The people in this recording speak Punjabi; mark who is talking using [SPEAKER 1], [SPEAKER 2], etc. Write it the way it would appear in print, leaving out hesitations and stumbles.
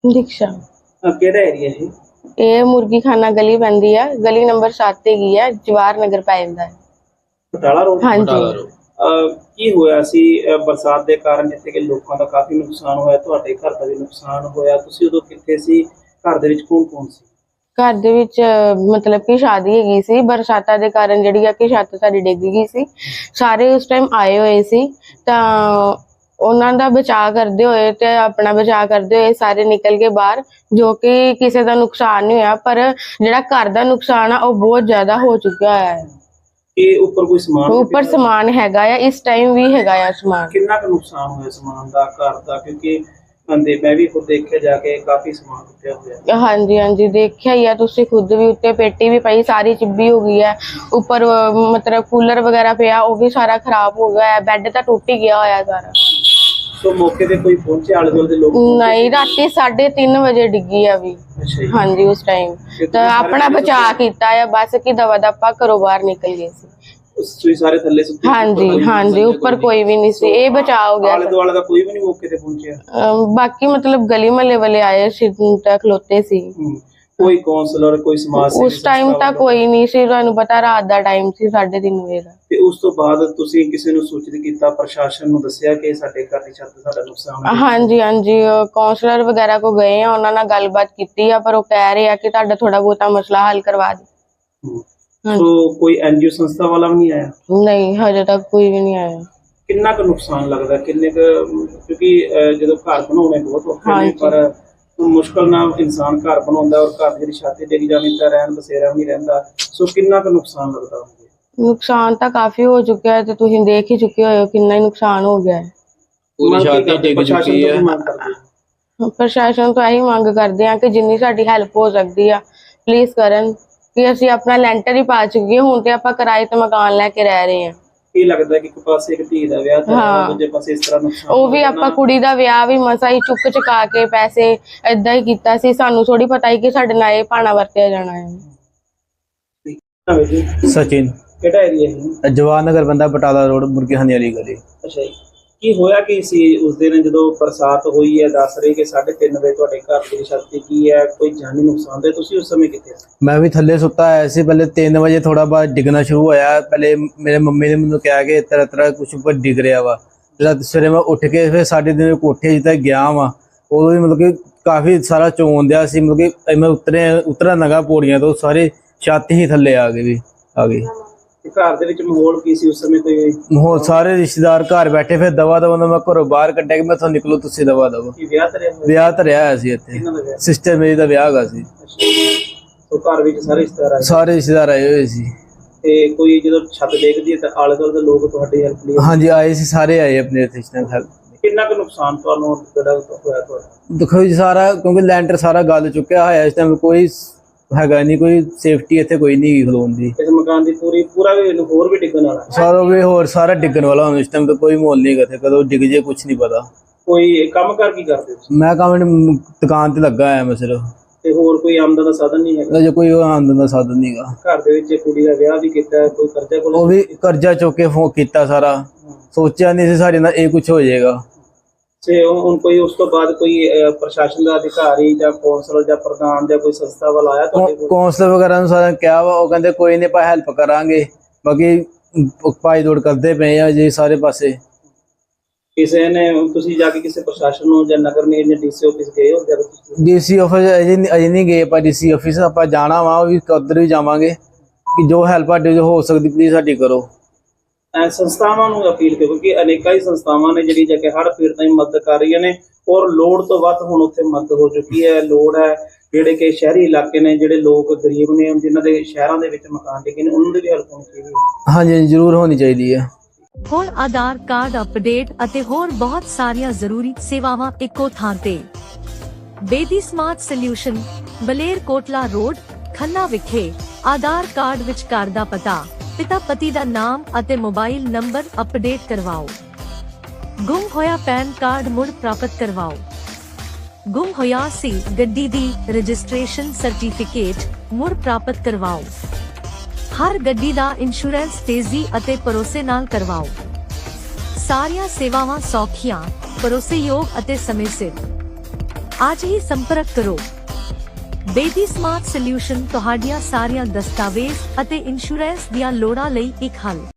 [SPEAKER 1] दीक्षा
[SPEAKER 2] ਕਿਹੜਾ ਏਰੀਆ ਇਹ?
[SPEAKER 1] ये मुर्गी खाना गली पैंदी है, गली नंबर 7 हैगी है, जवाहर नगर पै जांदा है।
[SPEAKER 2] ਬਟਾਲਾ ਰੋਡ?
[SPEAKER 1] हाँ जी।
[SPEAKER 2] ਕੀ ਹੋਇਆ ਸੀ ਬਰਸਾਤ ਦੇ ਕਾਰਨ ਜਿੱਥੇ ਕਿ ਲੋਕਾਂ ਦਾ ਕਾਫੀ ਨੁਕਸਾਨ ਹੋਇਆ, ਤੁਹਾਡੇ ਘਰ ਦਾ ਵੀ ਨੁਕਸਾਨ ਹੋਇਆ, ਤੁਸੀਂ ਉਦੋਂ ਕਿੱਥੇ ਸੀ? ਘਰ ਦੇ ਵਿੱਚ ਕੌਣ ਕੌਣ ਸੀ?
[SPEAKER 1] घर दे विच मतलब कि शादी हैगी सी, बरसातां दे कारण जिहड़ी आ कि छत साडी डिग गई सी। सारे उस टाइम आए हुए सी तां ਉਹਨਾਂ ਦਾ ਬਚਾਅ ਕਰਦੇ ਹੋਏ ਤੇ ਆਪਣਾ ਬਚਾਅ ਕਰਦੇ ਹੋਏ ਸਾਰੇ ਨਿਕਲ ਕੇ ਬਾਹਰ, ਜੋ ਕਿ ਕਿਸੇ ਦਾ ਨੁਕਸਾਨ ਨਹੀਂ ਹੋਇਆ, ਪਰ ਜਿਹੜਾ ਘਰ ਦਾ ਨੁਕਸਾਨ ਆ ਉਹ ਬਹੁਤ ਜ਼ਿਆਦਾ ਹੋ ਚੁੱਕਿਆ ਹੋਇਆ ਹੈ।
[SPEAKER 2] ਇਹ ਉੱਪਰ ਕੋਈ ਸਮਾਨ?
[SPEAKER 1] ਉੱਪਰ ਸਮਾਨ ਹੈਗਾ ਆ, ਇਸ ਟਾਈਮ ਵੀ ਹੈਗਾ ਆ ਸਮਾਨ।
[SPEAKER 2] ਕਿੰਨਾ ਕੁ ਨੁਕਸਾਨ ਹੋਇਆ ਸਮਾਨ ਦਾ, ਘਰ ਦਾ? ਕਿਉਂਕਿ ਬੰਦੇ ਮੈਂ ਵੀ ਖੁਦ ਦੇਖਿਆ ਜਾ ਕੇ ਕਾਫੀ ਸਮਾਨ ਟੁੱਟਿਆ ਹੋਇਆ।
[SPEAKER 1] ਹਾਂਜੀ ਹਾਂਜੀ, ਦੇਖਿਆ ਹੀ ਆ ਤੁਸੀਂ ਖੁਦ ਵੀ, ਉੱਤੇ ਪੇਟੀ ਵੀ ਪਈ ਸਾਰੀ ਚਿੱਬੀ ਹੋ ਗਈ ਹੈ। ਉੱਪਰ ਮਤਲਬ ਕੂਲਰ ਵਗੈਰਾ ਪਿਆ ਉਹ ਵੀ ਸਾਰਾ ਖਰਾਬ ਹੋ ਗਿਆ ਹੈ, ਬੈੱਡ ਤਾਂ ਟੁੱਟ ਹੀ ਗਿਆ ਹੋਇਆ ਸਾਰਾ।
[SPEAKER 2] ਸੋ ਮੌਕੇ ਤੇ ਕੋਈ ਪਹੁੰਚੇ? ਆਲੇ ਦੁਆਲੇ ਦੇ ਲੋਕ
[SPEAKER 1] ਨਹੀਂ, ਰਾਤੀ 3:30 ਵਜੇ ਡਿੱਗੀ ਆ ਵੀ।
[SPEAKER 2] ਅੱਛਾ ਜੀ।
[SPEAKER 1] ਹਾਂਜੀ, ਉਸ ਟਾਈਮ ਤਾਂ ਆਪਣਾ ਬਚਾਅ ਕੀਤਾ ਆ, ਬਸ ਕਿ ਦਵਾ ਦਪਾ ਘਰੋਂ ਬਾਹਰ ਨਿਕਲ ਗਏ ਸੀ।
[SPEAKER 2] ਤੁਸੀਂ ਸਾਰੇ ਥੱਲੇ ਸੁੱਤੇ?
[SPEAKER 1] ਹਾਂਜੀ ਹਾਂਜੀ, ਉੱਪਰ ਕੋਈ ਵੀ ਨਹੀਂ ਸੀ, ਇਹ ਬਚਾਅ ਹੋ ਗਿਆ।
[SPEAKER 2] ਆਲੇ ਦੁਆਲੇ ਦਾ ਕੋਈ ਵੀ ਨਹੀਂ ਮੌਕੇ ਤੇ ਪਹੁੰਚਿਆ?
[SPEAKER 1] ਬਾਕੀ ਮਤਲਬ ਗਲੀ ਮਹੱਲੇ ਵਾਲੇ ਆਏ ਸੀ ਤਾਂ ਖਲੋਤੇ ਸੀ।
[SPEAKER 2] ਕੋਈ ਕਾਉਂਸਲਰ, ਕੋਈ ਸਮਾਜ ਸੇਵੀ
[SPEAKER 1] ਉਸ ਟਾਈਮ ਤਾਂ ਕੋਈ ਨਹੀਂ ਸੀ, ਤੁਹਾਨੂੰ ਪਤਾ ਰਾਤ ਦਾ ਟਾਈਮ ਸੀ, 3:30 ਵਜੇ ਦਾ।
[SPEAKER 2] ਤੇ ਉਸ ਤੋਂ ਬਾਅਦ ਤੁਸੀਂ ਕਿਸੇ ਨੂੰ ਸੂਚਿਤ ਕੀਤਾ, ਪ੍ਰਸ਼ਾਸਨ ਨੂੰ ਦੱਸਿਆ ਕਿ ਸਾਡੇ ਘਰ ਦੀ ਛੱਤ ਸਾਡਾ ਨੁਕਸਾਨ ਹੈ?
[SPEAKER 1] ਹਾਂਜੀ ਹਾਂਜੀ, ਕਾਉਂਸਲਰ ਵਗੈਰਾ ਕੋ ਗਏ ਆ, ਉਹਨਾਂ ਨਾਲ ਗੱਲਬਾਤ ਕੀਤੀ ਆ, ਪਰ ਉਹ ਕਹਿ ਰਹੇ ਆ ਕਿ ਤੁਹਾਡਾ ਥੋੜਾ ਬਹੁਤਾ ਮਸਲਾ ਹੱਲ ਕਰਵਾ ਦੇ।
[SPEAKER 2] ਸੋ ਕੋਈ ਐਨਜੀਓ ਸੰਸਥਾ ਵਾਲਾ ਵੀ ਨਹੀਂ ਆਇਆ?
[SPEAKER 1] ਨਹੀਂ, ਹਜੇ ਤੱਕ ਕੋਈ ਵੀ ਨਹੀਂ ਆਇਆ।
[SPEAKER 2] ਕਿੰਨਾ ਕੁ ਨੁਕਸਾਨ ਲੱਗਦਾ, ਕਿੰਨੇ ਕੁ? ਕਿਉਂਕਿ ਜਦੋਂ ਘਰ ਬਣਾਉਣੇ ਬਹੁਤ ਔਖੇ ਨੇ, ਪਰ ਮੁਸ਼ਕਲ ਨਾਲ ਇਨਸਾਨ ਘਰ ਬਣਾਉਂਦਾ ਔਰ ਘਰ ਦੀ ਛੱਤ ਡਿੱਗ ਜਾਣੀ ਤਾਂ ਰਹਿਣ ਬਸੇਰਾ ਵੀ ਨਹੀਂ ਰਹਿੰਦਾ। ਸੋ ਕਿੰਨਾ ਕੁ ਨੁਕਸਾਨ ਲੱਗਦਾ?
[SPEAKER 1] ਨੁਕਸਾਨ ਤਾਂ ਕਾਫੀ ਹੋ ਚੁੱਕਿਆ ਹੈ ਤੇ ਤੁਸੀਂ ਦੇਖ ਹੀ ਚੁੱਕੇ ਹੋ ਕਿੰਨਾ ਹੀ ਨੁਕਸਾਨ ਹੋ ਗਿਆ ਹੈ।
[SPEAKER 2] ਪੂਰੀ ਛੱਤ ਡਿੱਗ ਚੁੱਕੀ ਹੈ।
[SPEAKER 1] ਪ੍ਰਸ਼ਾਸਨ ਤੋਂ ਇਹੀ ਮੰਗ ਕਰਦੇ ਆ ਕਿ ਜਿੰਨੀ ਸਾਡੀ ਹੈਲਪ ਹੋ ਸਕਦੀ ਆ ਪਲੀਜ਼ ਕਰਨ, ਕਿ ਅਸੀਂ ਆਪਣਾ ਲੈਂਟਰ ਹੀ ਪਾ ਚੁੱਕੇ, ਹੁਣ ਤੇ ਆਪਾਂ ਕਿਰਾਏ ਤੇ ਮਕਾਨ ਲੈ ਕੇ ਰਹਿ ਰਹੇ ਹਾਂ।
[SPEAKER 2] ਕੀ ਲੱਗਦਾ ਕਿ ਇੱਕ ਪਾਸੇ ਇੱਕ ਧੀ ਦਾ ਵਿਆਹ ਤਾਂ ਦੂਜੇ ਪਾਸੇ ਇਸ ਤਰ੍ਹਾਂ ਨੁਕਸਾਨ? ਉਹ
[SPEAKER 1] ਵੀ ਆਪਾਂ ਕੁੜੀ ਦਾ ਵਿਆਹ ਵੀ ਮਸਾ ਹੀ ਚੁੱਕ ਚੁਕਾ ਕੇ ਪੈਸੇ ਏਦਾਂ ਹੀ ਕੀਤਾ ਸੀ, ਸਾਨੂੰ ਥੋੜੀ ਪਤਾ ਹੀ ਕਿ ਸਾਡੇ ਨਾਲ ਇਹ ਭਾਣਾ ਵਰਤਿਆ ਜਾਣਾ ਹੈ।
[SPEAKER 3] सचिन,
[SPEAKER 2] ਕਿਹੜਾ ਏਰੀਆ ਹੈ?
[SPEAKER 3] जवाहर नगर बंदा, बटाला रोड, मुर्गी खाने वाली गली।
[SPEAKER 2] ਅੱਛਾ ਜੀ। ਕੀ ਹੋਇਆ ਕੀ ਸੀ ਉਸ ਦਿਨ ਜਦੋਂ ਬਰਸਾਤ ਹੋਈ ਹੈ? ਦੱਸ ਰਹੇ ਕਿ 3:30 ਵਜੇ ਤੁਹਾਡੇ ਘਰ ਦੀ ਛੱਤ ਡਿੱਗੀ ਹੈ, ਕੋਈ ਜਾਨੀ ਨੁਕਸਾਨ ਦੇ? ਤੁਸੀਂ ਉਸ ਸਮੇਂ ਕਿੱਥੇ ਸੀ?
[SPEAKER 3] मैं भी थल्ले सुता आया सी, पहले 3 बजे थोड़ा बहुत डिगना शुरू होया। पहले मेरे मम्मी ने मैंने कहा कि तरह तरह कुछ ऊपर डिग रहा वा। सवेरे मैं उठ के फिर 3:30 कोठे जिते गया वा, उदों भी मतलब कि काफ़ी सारा चोन दिया सी, मतलब कि मैं उतरा लगा पौड़ियां तो सारी छत ही थल्ले आ गई।
[SPEAKER 2] ਘਰ ਦੇ ਵਿੱਚ ਮਾਹੌਲ ਕੀ ਸੀ ਉਸ ਸਮੇਂ? ਕੋਈ
[SPEAKER 3] माहौल सारे रिश्तेदार घर बैठे, फिर दवा दवा मैं घरों बाहर कड्ढिया कि मैं इत्थों निकलो, तुसीं दवा दवा।
[SPEAKER 2] ਕੀ ਵਿਆਹ ਧਰਿਆ ਹੋਇਆ?
[SPEAKER 3] ਵਿਆਹ ਧਰਿਆ ਹੋਇਆ ਸੀ ਇੱਥੇ,
[SPEAKER 2] ਕਿਹਨਾਂ ਦਾ ਵਿਆਹ?
[SPEAKER 3] ਸਿਸਟਰ ਮੇਰੀ ਦਾ ਵਿਆਹ ਹੈਗਾ ਸੀ।
[SPEAKER 2] ਸੋ ਘਰ ਵਿੱਚ ਸਾਰੇ ਰਿਸ਼ਤੇਦਾਰ ਆਏ?
[SPEAKER 3] ਸਾਰੇ ਰਿਸ਼ਤੇਦਾਰ ਆਏ ਹੋਏ ਸੀ।
[SPEAKER 2] ਤੇ ਕੋਈ ਜਦੋਂ ਛੱਤ ਡਿੱਗਦੀ ਹੈ ਤਾਂ ਆਲੇ ਦੁਆਲੇ ਦੇ ਲੋਕ ਤੁਹਾਡੀ ਹੈਲਪ ਲਈ?
[SPEAKER 3] ਹਾਂਜੀ, ਆਏ ਸੀ, ਸਾਰੇ ਆਏ ਆਪਣੇ ਰਿਸ਼ਤੇਦਾਰ।
[SPEAKER 2] ਕਿੰਨਾ ਕੁ ਨੁਕਸਾਨ ਤੁਹਾਨੂੰ ਜਿਹੜਾ ਹੋਇਆ ਤੁਹਾਡਾ?
[SPEAKER 3] ਦੇਖੋ ਜੀ, ਸਾਰਾ ਕਿਉਂਕਿ ਲੈਂਟਰ ਸਾਰਾ ਗਲ ਚੁੱਕਿਆ ਹੋਇਆ, ਇਸ ਟਾਈਮ ਕੋਈ ਹੈਗਾ ਨਹੀਂ, ਕੋਈ ਸੇਫਟੀ ਇੱਥੇ ਕੋਈ ਨਹੀਂ ਖਲੋਣ ਦੀ।
[SPEAKER 2] ਇਸ ਮਕਾਨ ਦੀ ਪੂਰਾ ਵੀ ਹੋਰ ਵੀ ਡਿੱਗਣ ਵਾਲਾ?
[SPEAKER 3] ਸਾਰਾ ਵੀ ਹੋਰ ਸਾਰਾ ਡਿੱਗਣ ਵਾਲਾ ਹੁਣ, ਇਸ ਟਾਈਮ ਤਾਂ ਕੋਈ ਮਾਹੌਲ ਨਹੀਂ ਹੈਗਾ, ਕਦੋਂ ਡਿੱਗ ਜੇ ਕੁਝ ਨਹੀਂ ਪਤਾ।
[SPEAKER 2] ਕੋਈ ਕੰਮ ਕਰ ਕੀ ਕਰਦੇ ਹੋ?
[SPEAKER 3] ਮੈਂ ਕੰਮ ਦੁਕਾਨ ਤੇ ਲੱਗਾ ਹੋਇਆ ਮੈਂ ਸਿਰਫ।
[SPEAKER 2] ਤੇ ਹੋਰ ਕੋਈ ਆਮਦਨ ਦਾ ਸਾਧਨ ਨਹੀਂ ਹੈਗਾ?
[SPEAKER 3] ਅਜੇ ਕੋਈ ਆਮਦਨ ਦਾ ਸਾਧਨ ਨਹੀਂਗਾ।
[SPEAKER 2] ਘਰ ਦੇ ਵਿੱਚ ਕੁੜੀ ਦਾ ਵਿਆਹ ਵੀ ਕੀਤਾ, ਕੋਈ ਕਰਜ਼ਾ ਕੋਲ?
[SPEAKER 3] ਉਹ ਵੀ ਕਰਜ਼ਾ ਚੁੱਕ ਕੇ ਕੀਤਾ ਸਾਰਾ, ਸੋਚਿਆ ਨਹੀਂ ਸੀ ਸਾਡੇ ਨਾਲ ਇਹ ਕੁਝ ਹੋ ਜਾਏਗਾ।
[SPEAKER 2] ਤੇ ਹੁਣ ਕੋਈ ਉਸ ਤੋਂ ਬਾਅਦ ਕੋਈ ਪ੍ਰਸ਼ਾਸਨ ਦਾ ਅਧਿਕਾਰੀ ਜਾਂ ਕੌਂਸਲਰ ਜਾਂ ਪ੍ਰਧਾਨ ਜਾਂ ਕੋਈ ਸੰਸਥਾ ਵਾਲਾ ਆਇਆ ਤੁਹਾਡੇ ਕੋਲ?
[SPEAKER 3] ਕੌਂਸਲਰ ਵਗੈਰਾ ਨੂੰ ਸਾਰਿਆਂ ਕਿਹਾ ਵਾ, ਉਹ ਕਹਿੰਦੇ ਕੋਈ ਨਹੀਂ ਆਪਾਂ ਹੈਲਪ ਕਰਾਂਗੇ, ਬਾਕੀ ਭਾਈ ਦੌੜ ਕਰਦੇ ਪਏ ਆ ਜੀ ਸਾਰੇ ਪਾਸੇ।
[SPEAKER 2] ਕਿਸੇ ਨੇ ਤੁਸੀਂ ਜਾ ਕੇ ਕਿਸੇ ਪ੍ਰਸ਼ਾਸਨ ਨੂੰ ਜਾਂ ਨਗਰ ਨਿਗਮ ਜਾਂ ਡੀਸੀ ਆਫਿਸ ਗਏ ਹੋ?
[SPEAKER 3] ਡੀਸੀ ਆਫਿਸ ਅਜੇ ਨਹੀਂ ਗਏ ਆਪਾਂ, ਡੀਸੀ ਆਫਿਸ ਆਪਾਂ ਜਾਣਾ ਵਾ, ਉਹ ਵੀ ਉੱਧਰ ਵੀ ਜਾਵਾਂਗੇ ਕਿ ਜੋ ਹੈਲਪ ਸਾਡੇ ਜੋ ਹੋ ਸਕਦੀ ਪਲੀਜ਼ ਸਾਡੀ ਕਰੋ।
[SPEAKER 2] ਸੰਸਥਾਵਾਂ ਨੂੰ ਅਪੀਲ ਕਰੋ ਕਿ ਅਨੇਕਾਂ ਹੀ ਸੰਸਥਾਵਾਂ ਨੇ ਜਿਹੜੀ ਜਾ ਕੇ ਹੜ੍ਹ ਪੀੜਤਾਂ ਦੀ ਮਦਦ ਕਰ ਰਹੀਆਂ ਨੇ, ਔਰ ਲੋੜ ਤੋਂ ਵੱਧ ਹੁਣ ਉੱਥੇ ਮਦਦ ਹੋ ਚੁੱਕੀ ਹੈ। ਲੋੜ ਹੈ ਜਿਹੜੇ ਕਿ ਸ਼ਹਿਰੀ ਇਲਾਕੇ ਨੇ, ਜਿਹੜੇ ਲੋਕ ਗਰੀਬ ਨੇ, ਜਿਨ੍ਹਾਂ ਦੇ ਸ਼ਹਿਰਾਂ ਦੇ ਵਿੱਚ ਮਕਾਨ ਡਿੱਗੇ ਨੇ, ਉਹਨਾਂ ਦੀ ਵੀ ਹੈਲਪ ਹੋਣੀ ਚਾਹੀਦੀ ਹੈ।
[SPEAKER 3] ਹਾਂਜੀ, ਜ਼ਰੂਰ ਹੋਣੀ ਚਾਹੀਦੀ ਹੈ।
[SPEAKER 4] ਹੁਣ ਆਧਾਰ ਕਾਰਡ ਅਪਡੇਟ ਅਤੇ ਹੋਰ ਬਹੁਤ ਸਾਰੀਆਂ ਜ਼ਰੂਰੀ ਸੇਵਾਵਾਂ ਇੱਕੋ ਥਾਂ ਤੇ। Bedi smart solution, Baler Kotla road, Khanna ਵਿਖੇ। ਆਧਾਰ ਕਾਰਡ ਵਿੱਚ ਘਰ ਦਾ ਪਤਾ, ਪਿਤਾ ਪਤੀ ਦਾ ਨਾਮ ਅਤੇ ਮੋਬਾਈਲ ਨੰਬਰ ਅਪਡੇਟ ਕਰਵਾਓ। ਗੁੰਮ ਹੋਇਆ ਪੈਨ ਕਾਰਡ ਮੁੜ ਪ੍ਰਾਪਤ ਕਰਵਾਓ। ਗੁੰਮ ਹੋਇਆ ਸੀ ਗੱਡੀ ਦੀ ਰਜਿਸਟ੍ਰੇਸ਼ਨ ਸਰਟੀਫਿਕੇਟ ਮੁੜ ਪ੍ਰਾਪਤ ਕਰਵਾਓ। ਹਰ ਗੱਡੀ ਦਾ ਇੰਸ਼ੋਰੈਂਸ ਤੇਜ਼ੀ ਅਤੇ ਭਰੋਸੇ ਨਾਲ ਕਰਵਾਓ। ਸਾਰੀਆਂ ਸੇਵਾਵਾਂ ਸੌਖੀਆਂ, ਭਰੋਸੇਯੋਗ ਅਤੇ ਸਮੇਂ ਸਿਰ। ਅੱਜ ਹੀ ਸੰਪਰਕ ਕਰੋ। ਬੇਦੀ ਸਮਾਰਟ ਸੋਲਿਊਸ਼ਨ ਤੁਹਾਡੀਆਂ ਸਾਰੀਆਂ ਦਸਤਾਵੇਜ਼ ਅਤੇ ਇੰਸ਼ੋਰੈਂਸ ਦੀਆਂ ਲੋੜਾਂ ਲਈ ਇੱਕ ਹੱਲ।